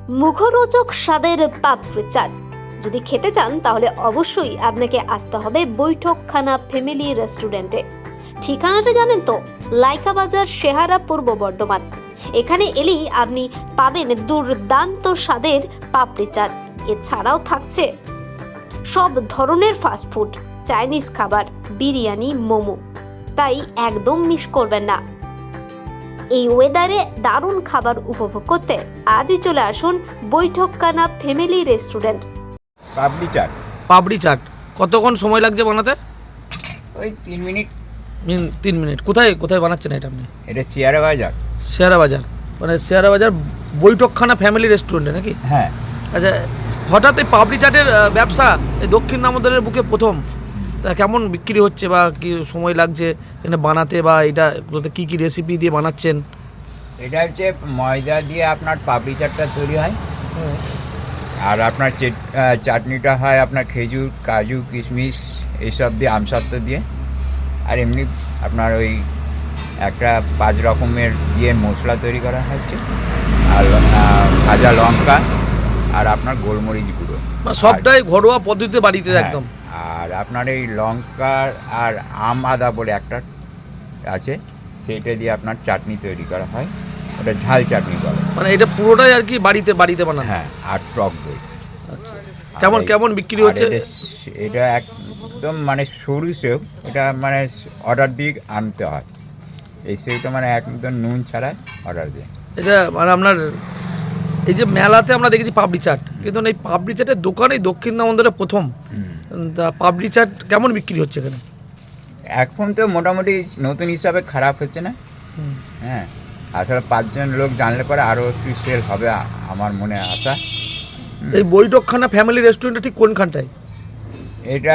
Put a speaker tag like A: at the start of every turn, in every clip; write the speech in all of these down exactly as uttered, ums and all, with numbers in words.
A: মুখরোচক স্বাদের পাপড়ি চাট যদি খেতে চান তাহলে অবশ্যই আপনাকে আসতে হবে বৈঠকখানা ফ্যামিলি রেস্টুরেন্টে। ঠিকানাটা জানেন তো, লাইকা বাজার, শেহারা, পূর্ব বর্ধমান। এখানে এলেই আপনি পাবেন দুর্দান্ত স্বাদের পাপড়ি চাট। এছাড়াও থাকছে সব ধরনের ফাস্টফুড, চাইনিজ খাবার, বিরিয়ানি, মোমো। তাই একদম মিস করবেন না। এই ওয়েদারে দারুণ খাবার উপভোগ করতে আজই চলে আসুন বৈঠকখানা ফ্যামিলি রেস্টুরেন্ট।
B: পাপড়ি চাট
C: পাপড়ি চাট কতক্ষণ সময় লাগছে বানাতে?
B: ওই তিন মিনিট।
C: মিন তিন মিনিট। কোথায় কোথায় বানাচ্ছেন এটা আপনি?
B: এটা শেয়ারা বাজার।
C: শেয়ারা বাজার মানে শেয়ারা বাজার বৈঠকখানা ফ্যামিলি রেস্টুরেন্টে নাকি?
B: হ্যাঁ।
C: আচ্ছা, হঠাৎ এই পাপড়ি চাটের আহ, ব্যবসা এই দক্ষিণ দামোদরের বুকে প্রথম। তা কেমন বিক্রি হচ্ছে বা কি সময় লাগছে এখানে বানাতে, বা এটা কী কী রেসিপি দিয়ে বানাচ্ছেন?
B: এটা হচ্ছে ময়দা দিয়ে আপনার পাপড়ি চাটটা তৈরি হয়, আর আপনার চাটনিটা হয় আপনার খেজুর, কাজু, কিশমিশ এইসব দিয়ে, আমসত্ত্ব দিয়ে। আর এমনি আপনার ওই একটা পাঁচ রকমের দিয়ে মশলা তৈরি করা হচ্ছে, আর ভাজা লঙ্কা আর আপনার গোলমরিচ গুঁড়ো,
C: সবটাই ঘরোয়া পদ্ধতিতে বাড়িতে একদম।
B: আর আপনার এই লঙ্কা আর আম আদা বলে একটা আছে, সেইটা দিয়ে আপনার চাটনি তৈরি করা হয়, ওটা ঝাল চাটনি বলে।
C: মানে এটা পুরোটাই আর কি বাড়িতে বাড়িতে বানানো?
B: হ্যাঁ, আর টক দই।
C: আচ্ছা, কেমন কেমন বিক্রি হচ্ছে?
B: এটা একদম মানে সরু সেও, এটা মানে অর্ডার দিয়ে আনতে হয়। এই সেওটা মানে একদম নুন ছাড়া অর্ডার দিয়ে।
C: এটা মানে আপনার এই যে মেলাতে আমরা দেখেছি পাপড়ি চাট, কিন্তু এই পাপড়ি চাটের দোকানে দক্ষিণ দামোদরে প্রথম। তা পাপড়ি চাট কেমন বিক্রি হচ্ছে এখানে?
B: এখন তো মোটামুটি নতুন হিসাবে খারাপ হচ্ছে না। হ্যাঁ, আসলে পাঁচজন লোক জানলে পরে আরও একটু সেল হবে আমার মনে আশা।
C: এই বৈঠকখানা ফ্যামিলি রেস্টুরেন্টটা ঠিক কোনখানটায়?
B: এটা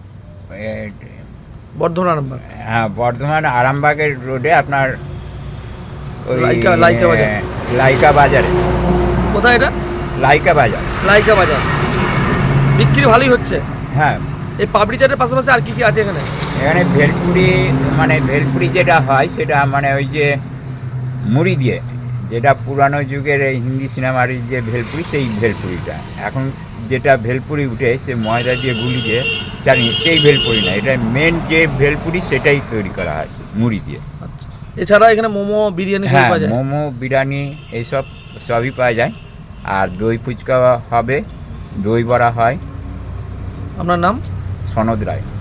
C: বর্ধমান আরামবাগ।
B: হ্যাঁ, বর্ধমান আরামবাগের রোডে আপনার ওই
C: লাইকা লাইকা বাজার।
B: লাইকা বাজারে।
C: কোথায় এটা?
B: লাইকা বাজার।
C: লাইকা বাজার। বিক্রি ভালোই হচ্ছে।
B: হ্যাঁ,
C: এই পাপড়ি চাটের পাশাপাশি আর কি কি আছে এখানে?
B: এখানে ভেলপুরি, মানে ভেলপুরি যেটা হয় সেটা মানে ওই যে মুড়ি দিয়ে, যেটা পুরানো যুগের এই হিন্দি সিনেমার যে ভেলপুরি, সেই ভেলপুরিটা। এখন যেটা ভেলপুরি উঠে সে ময়দা দিয়ে গুলি দিয়ে জানি, সেই ভেলপুরি না, এটা মেন যে ভেলপুরি সেটাই তৈরি করা হয় মুড়ি দিয়ে।
C: আচ্ছা, এছাড়া এখানে মোমো, বিরিয়ানি সব
B: হ্যাঁ,
C: পাওয়া যায়?
B: মোমো, বিরিয়ানি এইসব সবই পাওয়া যায়। আর দই ফুচকা হবে, দই বড়া হয়।
C: আপনার নাম?
B: সনদ রায়।